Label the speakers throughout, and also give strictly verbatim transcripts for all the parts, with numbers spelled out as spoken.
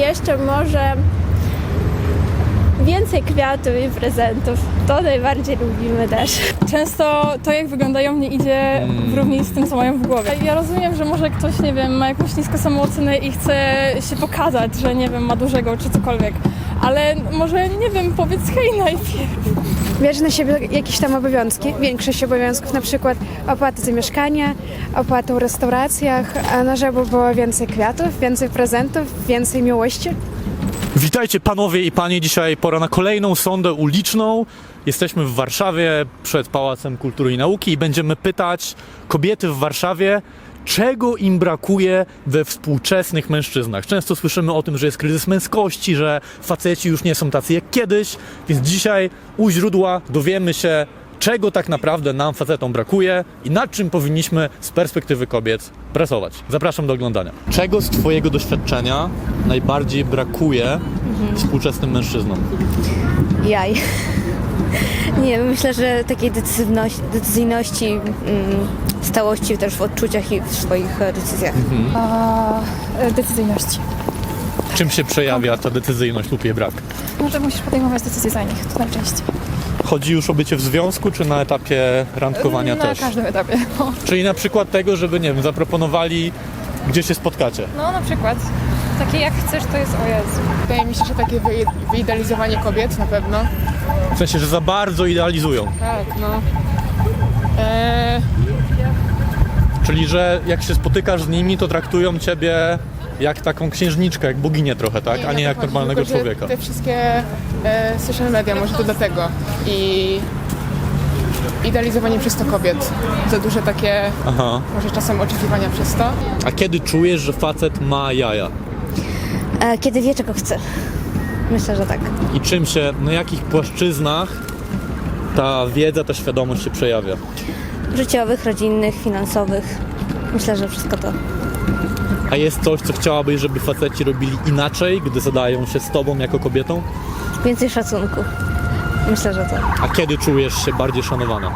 Speaker 1: jeszcze może więcej kwiatów i prezentów. To najbardziej lubimy też.
Speaker 2: Często to, jak wyglądają, nie idzie w równi z tym, co mają w głowie. Ja rozumiem, że może ktoś, nie wiem, ma jakąś niską samoocenę i chce się pokazać, że, nie wiem, ma dużego czy cokolwiek. Ale może, nie wiem, powiedz hej najpierw.
Speaker 3: Bierze na siebie jakieś tam obowiązki, większość obowiązków, na przykład opłaty za mieszkanie, opłaty w restauracjach, a no żeby było więcej kwiatów, więcej prezentów, więcej miłości.
Speaker 4: Witajcie panowie i panie, dzisiaj pora na kolejną sondę uliczną. Jesteśmy w Warszawie przed Pałacem Kultury i Nauki i będziemy pytać kobiety w Warszawie, czego im brakuje we współczesnych mężczyznach. Często słyszymy o tym, że jest kryzys męskości, że faceci już nie są tacy jak kiedyś, więc dzisiaj u źródła dowiemy się, czego tak naprawdę nam facetom brakuje i nad czym powinniśmy z perspektywy kobiet pracować. Zapraszam do oglądania. Czego z twojego doświadczenia najbardziej brakuje mhm. współczesnym mężczyznom?
Speaker 5: Jaj. Nie, myślę, że takiej decyzyjności, decyzyjności mm, stałości też w odczuciach i w swoich decyzjach.
Speaker 4: Mhm.
Speaker 2: A, decyzyjności.
Speaker 4: Czym się przejawia ta decyzyjność lub jej brak?
Speaker 2: No, że musisz podejmować decyzje za nich, to najczęściej.
Speaker 4: Chodzi już o bycie w związku, czy na etapie randkowania
Speaker 2: na
Speaker 4: też?
Speaker 2: Na każdym etapie. No.
Speaker 4: Czyli na przykład tego, żeby, nie wiem, zaproponowali, gdzie się spotkacie.
Speaker 2: no na przykład. Takie jak chcesz, to jest o Jezu.
Speaker 6: Wydaje mi się, że takie wy, wyidealizowanie kobiet na pewno.
Speaker 4: W sensie, że za bardzo idealizują.
Speaker 6: Tak, no. Eee,
Speaker 4: Czyli, że jak się spotykasz z nimi, to traktują ciebie jak taką księżniczkę, jak boginię trochę, tak? A nie jak
Speaker 6: chodzi,
Speaker 4: normalnego
Speaker 6: tylko, że
Speaker 4: człowieka.
Speaker 6: Te wszystkie e, social media, może to dlatego. I idealizowanie przez to kobiet. Za duże takie,
Speaker 4: Aha.
Speaker 6: może czasem oczekiwania przez to.
Speaker 4: A kiedy czujesz, że facet ma jaja?
Speaker 5: E, kiedy wie, czego chce. Myślę, że tak.
Speaker 4: I czym się, na jakich płaszczyznach ta wiedza, ta świadomość się przejawia?
Speaker 5: Życiowych, rodzinnych, finansowych. Myślę, że wszystko to.
Speaker 4: A jest coś, co chciałabyś, żeby faceci robili inaczej, gdy zadają się z tobą jako kobietą?
Speaker 5: Więcej szacunku. Myślę, że to.
Speaker 4: A kiedy czujesz się bardziej szanowana?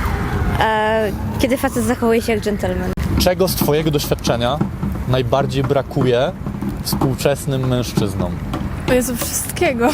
Speaker 5: E, kiedy facet zachowuje się jak dżentelmen.
Speaker 4: Czego z twojego doświadczenia najbardziej brakuje współczesnym mężczyznom?
Speaker 2: O Jezu, wszystkiego.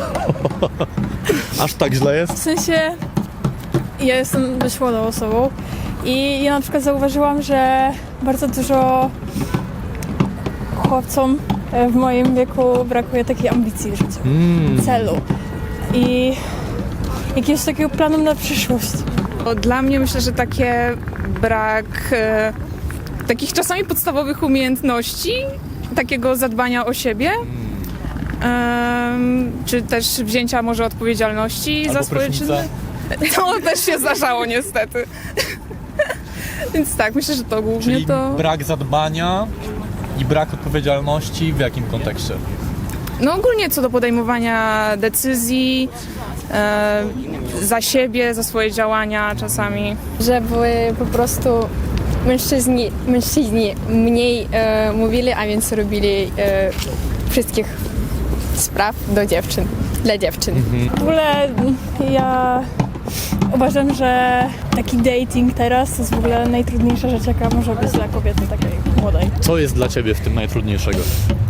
Speaker 4: Aż tak źle jest?
Speaker 2: W sensie, ja jestem dość młodą osobą i ja na przykład zauważyłam, że bardzo dużo chłopcom w moim wieku brakuje takiej ambicji życiowej,
Speaker 4: Mm.
Speaker 2: celu i jakiegoś takiego planu na przyszłość.
Speaker 7: Dla mnie myślę, że takie brak e, takich czasami podstawowych umiejętności, takiego zadbania o siebie, e, czy też wzięcia może odpowiedzialności
Speaker 4: Albo
Speaker 7: za swoje
Speaker 4: prysznica.
Speaker 7: czyny. To też się zdarzało niestety. Więc tak, myślę, że to głównie
Speaker 4: Czyli
Speaker 7: to...
Speaker 4: brak zadbania i brak odpowiedzialności w jakim kontekście?
Speaker 7: No ogólnie co do podejmowania decyzji, e, za siebie, za swoje działania czasami.
Speaker 1: Żeby po prostu mężczyźni, mężczyźni mniej e, mówili, a więc robili e, wszystkich spraw do dziewczyn, dla dziewczyn.
Speaker 2: W ogóle ja uważam, że taki dating teraz to jest w ogóle najtrudniejsza rzecz, jaka może być dla kobiety takiej młodej.
Speaker 4: Co jest dla ciebie w tym najtrudniejszego?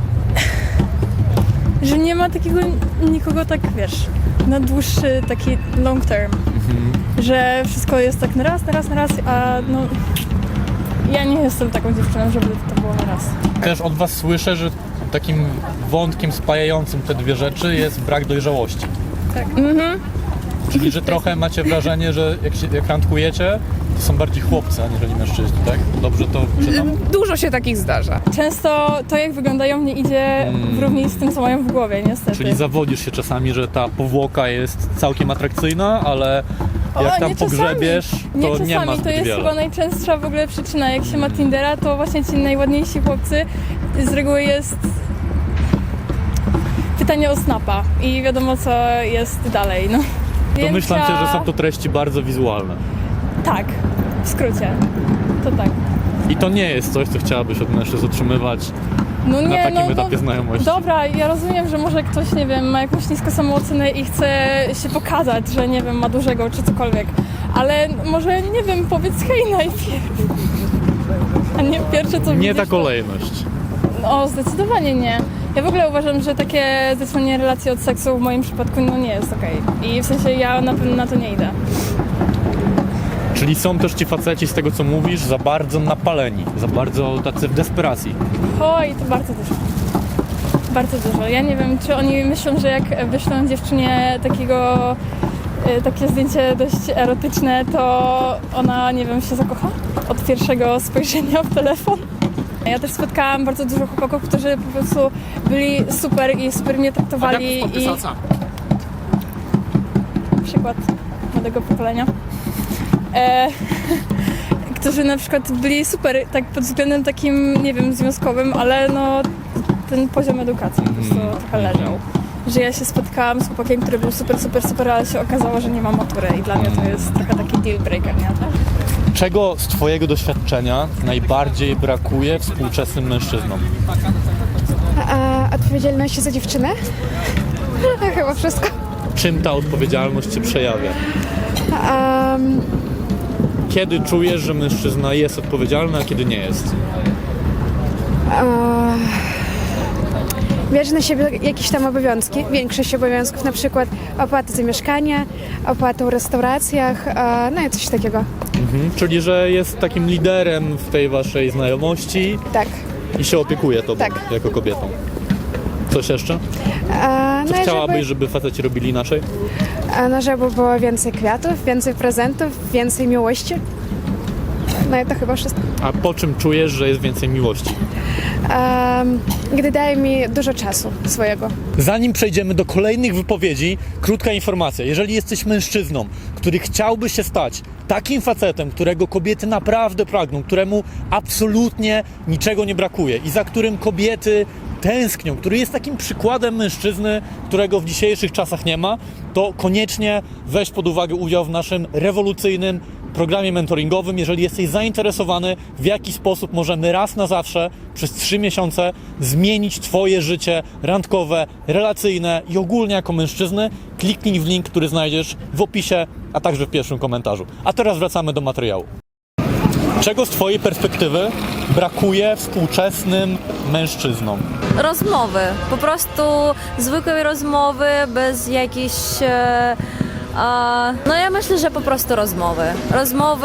Speaker 2: Że nie ma takiego nikogo tak, wiesz, na dłuższy taki long term.
Speaker 4: Mhm.
Speaker 2: Że wszystko jest tak na raz, na raz, na raz, a no ja nie jestem taką dziewczyną, żeby to było na raz.
Speaker 4: Też od was słyszę, że takim wątkiem spajającym te dwie rzeczy jest brak dojrzałości.
Speaker 2: Tak.
Speaker 7: Mhm.
Speaker 4: Czyli, że trochę macie wrażenie, że jak, się, jak randkujecie, to są bardziej chłopcy, aniżeli mężczyźni, tak? Dobrze to czytam?
Speaker 7: Dużo się takich zdarza.
Speaker 2: Często to, jak wyglądają, nie idzie w równi z tym, co mają w głowie, niestety.
Speaker 4: Czyli zawodzisz się czasami, że ta powłoka jest całkiem atrakcyjna, ale
Speaker 2: O,
Speaker 4: jak tam
Speaker 2: nie czasami.
Speaker 4: pogrzebiesz, to
Speaker 2: nie,
Speaker 4: nie,
Speaker 2: czasami,
Speaker 4: ma
Speaker 2: to
Speaker 4: zbyt
Speaker 2: jest
Speaker 4: wiele.
Speaker 2: chyba najczęstsza w ogóle przyczyna. Jak się ma Tindera, to właśnie ci najładniejsi chłopcy z reguły jest pytanie o snapa i wiadomo, co jest dalej, no.
Speaker 4: Domyślam
Speaker 2: Więc
Speaker 4: się,
Speaker 2: ja-
Speaker 4: że są to treści bardzo wizualne.
Speaker 2: Tak, w skrócie. To tak.
Speaker 4: I to nie jest coś, co chciałabyś od mężczyzn otrzymywać
Speaker 2: No
Speaker 4: na
Speaker 2: nie,
Speaker 4: takim
Speaker 2: no,
Speaker 4: etapie
Speaker 2: no,
Speaker 4: znajomości.
Speaker 2: Dobra, ja rozumiem, że może ktoś, nie wiem, ma jakąś niską samoocenę i chce się pokazać, że nie wiem, ma dużego czy cokolwiek. Ale może, nie wiem, powiedz hej najpierw. A nie pierwsze co
Speaker 4: Nie
Speaker 2: widzisz,
Speaker 4: ta
Speaker 2: to-
Speaker 4: kolejność.
Speaker 2: No, zdecydowanie nie. Ja w ogóle uważam, że takie zaczynanie relacji od seksu w moim przypadku no nie jest okej. I w sensie ja na pewno na to nie idę.
Speaker 4: Czyli są też ci faceci, z tego co mówisz, za bardzo napaleni, za bardzo tacy w desperacji.
Speaker 2: Oj, to bardzo dużo. Bardzo dużo. Ja nie wiem, czy oni myślą, że jak wyślą dziewczynie takiego, y, takie zdjęcie dość erotyczne, to ona, nie wiem, się zakocha od pierwszego spojrzenia w telefon. Ja też spotkałam bardzo dużo chłopaków, którzy po prostu byli super i super mnie traktowali. I przykład młodego pokolenia. E, którzy na przykład byli super tak pod względem takim, nie wiem, związkowym, ale no ten poziom edukacji po prostu trochę leżał. Że ja się spotkałam z chłopakiem, który był super, super, super, ale się okazało, że nie ma matury i dla mnie to jest trochę taki deal breaker, nie?
Speaker 4: Czego z twojego doświadczenia najbardziej brakuje współczesnym mężczyznom?
Speaker 3: A odpowiedzialności za dziewczynę? No, chyba wszystko.
Speaker 4: Czym ta odpowiedzialność się przejawia?
Speaker 3: Um,
Speaker 4: Kiedy czujesz, że mężczyzna jest odpowiedzialny, a kiedy nie jest?
Speaker 3: uh, bierze na siebie jakieś tam obowiązki, większość obowiązków, na przykład opłaty za mieszkanie, opłaty w restauracjach, uh, no i coś takiego.
Speaker 4: Mhm. Czyli, że jest takim liderem w tej waszej znajomości
Speaker 3: Tak.
Speaker 4: i się opiekuje tobą
Speaker 3: Tak.
Speaker 4: jako kobietą. Coś jeszcze?
Speaker 3: Uh,
Speaker 4: Czy
Speaker 3: no i
Speaker 4: chciałabyś,
Speaker 3: żeby,
Speaker 4: żeby faceci robili inaczej?
Speaker 3: a no, żeby było więcej kwiatów, więcej prezentów, więcej miłości. No i to chyba wszystko.
Speaker 4: A po czym czujesz, że jest więcej miłości?
Speaker 3: Um, gdy daje mi dużo czasu swojego.
Speaker 4: Zanim przejdziemy do kolejnych wypowiedzi, krótka informacja. Jeżeli jesteś mężczyzną, który chciałby się stać takim facetem, którego kobiety naprawdę pragną, któremu absolutnie niczego nie brakuje i za którym kobiety tęsknią, który jest takim przykładem mężczyzny, którego w dzisiejszych czasach nie ma, to koniecznie weź pod uwagę udział w naszym rewolucyjnym programie mentoringowym. Jeżeli jesteś zainteresowany, w jaki sposób możemy raz na zawsze przez trzy miesiące zmienić twoje życie randkowe, relacyjne i ogólnie jako mężczyzny, kliknij w link, który znajdziesz w opisie, a także w pierwszym komentarzu. A teraz wracamy do materiału. Czego z twojej perspektywy brakuje współczesnym mężczyznom?
Speaker 8: Rozmowy, po prostu zwykłej rozmowy, bez jakiejś... E, e, no ja myślę, że po prostu rozmowy. Rozmowy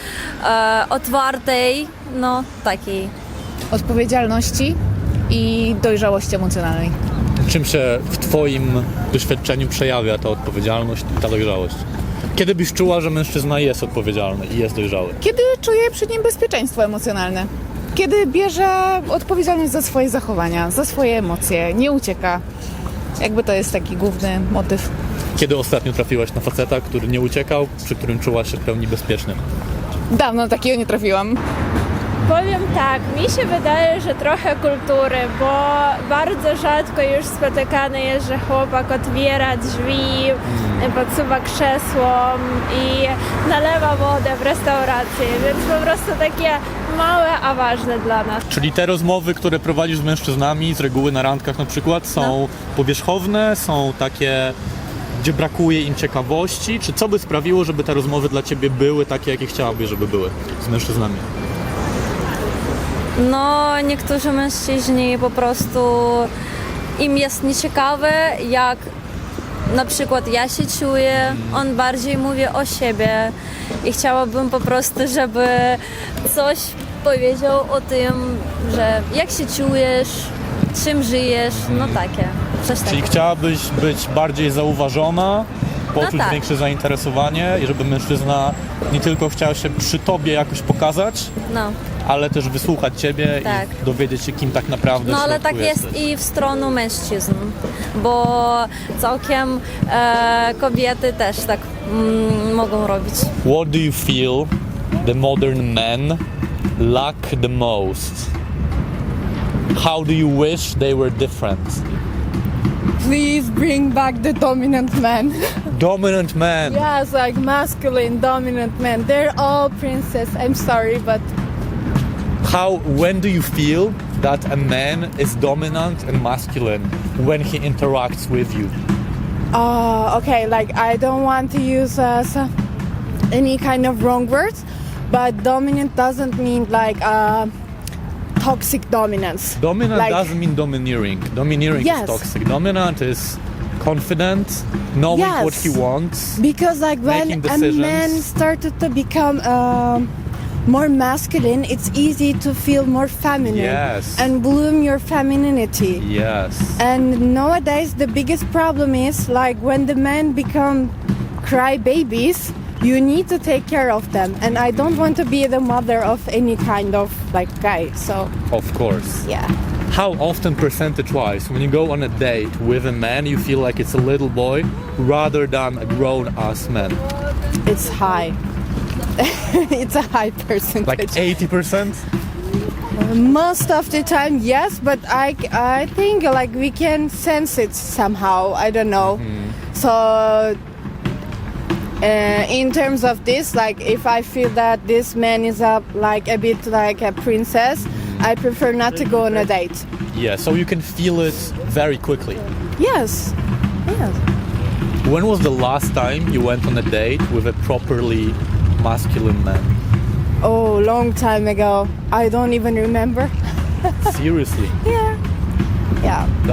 Speaker 8: e, otwartej, no takiej.
Speaker 9: Odpowiedzialności i dojrzałości emocjonalnej.
Speaker 4: Czym się w twoim doświadczeniu przejawia ta odpowiedzialność i ta dojrzałość? Kiedy byś czuła, że mężczyzna jest odpowiedzialny i jest dojrzały?
Speaker 9: Kiedy czuje przy nim bezpieczeństwo emocjonalne. Kiedy bierze odpowiedzialność za swoje zachowania, za swoje emocje, nie ucieka. Jakby to jest taki główny motyw.
Speaker 4: Kiedy ostatnio trafiłaś na faceta, który nie uciekał, przy którym czułaś się w pełni bezpieczny?
Speaker 9: Dawno takiego nie trafiłam.
Speaker 10: Powiem tak, mi się wydaje, że trochę kultury, bo bardzo rzadko już spotykane jest, że chłopak otwiera drzwi, podsuwa krzesło i nalewa wodę w restauracji, więc po prostu takie małe, a ważne dla nas.
Speaker 4: Czyli te rozmowy, które prowadzisz z mężczyznami, z reguły na randkach na przykład, są powierzchowne, są takie, gdzie brakuje im ciekawości? Czy co by sprawiło, żeby te rozmowy dla ciebie były takie, jakie chciałabyś, żeby były z mężczyznami?
Speaker 8: No niektórzy mężczyźni po prostu im jest nieciekawe, jak na przykład ja się czuję, on bardziej mówi o siebie i chciałabym po prostu, żeby coś powiedział o tym, że jak się czujesz, czym żyjesz, no takie, coś
Speaker 4: Czyli
Speaker 8: takiego.
Speaker 4: chciałabyś być bardziej zauważona, poczuć
Speaker 8: tak.
Speaker 4: większe zainteresowanie i żeby mężczyzna nie tylko chciał się przy tobie jakoś pokazać,
Speaker 8: No,
Speaker 4: ale też wysłuchać ciebie
Speaker 8: Tak.
Speaker 4: i dowiedzieć się, kim tak naprawdę
Speaker 8: no
Speaker 4: w
Speaker 8: ale
Speaker 4: środku
Speaker 8: tak jest
Speaker 4: jesteś.
Speaker 8: i w stronę mężczyzn, bo całkiem e, kobiety też tak mm, mogą robić.
Speaker 4: What do you feel the modern men lack the most? How do you wish they were different?
Speaker 2: Please bring back the dominant man.
Speaker 4: Dominant man.
Speaker 2: Yes, like masculine, dominant men. They're all princess. I'm sorry, but
Speaker 4: How, when do you feel that a man is dominant and masculine when he interacts with you?
Speaker 2: uh, okay, like I don't want to use uh, some, any kind of wrong words, but dominant doesn't mean like uh,
Speaker 11: toxic dominance.
Speaker 4: Dominant
Speaker 11: Like-
Speaker 4: doesn't mean domineering. Domineering
Speaker 11: Yes.
Speaker 4: is toxic. Dominant is confident, knowing
Speaker 11: Yes.
Speaker 4: what he wants.
Speaker 11: Because like when
Speaker 4: Making
Speaker 11: a
Speaker 4: decisions.
Speaker 11: man started to become um, more masculine, it's easy to feel more feminine
Speaker 4: Yes.
Speaker 11: and bloom your femininity.
Speaker 4: Yes.
Speaker 11: And nowadays the biggest problem is like when the men become cry babies, you need to take care of them. And I don't want to be the mother of any kind of like guy. So
Speaker 4: Of course.
Speaker 11: yeah.
Speaker 4: How often, percentage-wise, when you go on a date with a man, you feel like it's a little boy rather than a grown-ass man?
Speaker 11: It's high. It's a high percentage.
Speaker 4: Like eighty percent?
Speaker 11: Most of the time, yes, but I, I think like we can sense it somehow. I don't know. So, uh, in terms of this, like if I feel that this man is a like a bit like a princess, I prefer not to go on a date.
Speaker 4: Yeah, so you can feel it very quickly.
Speaker 11: Yes. Yes.
Speaker 4: When was the last time you went on a date with a properly masculine man?
Speaker 11: Oh, long time ago. I don't even remember.
Speaker 4: Seriously?
Speaker 11: Yeah. Yeah.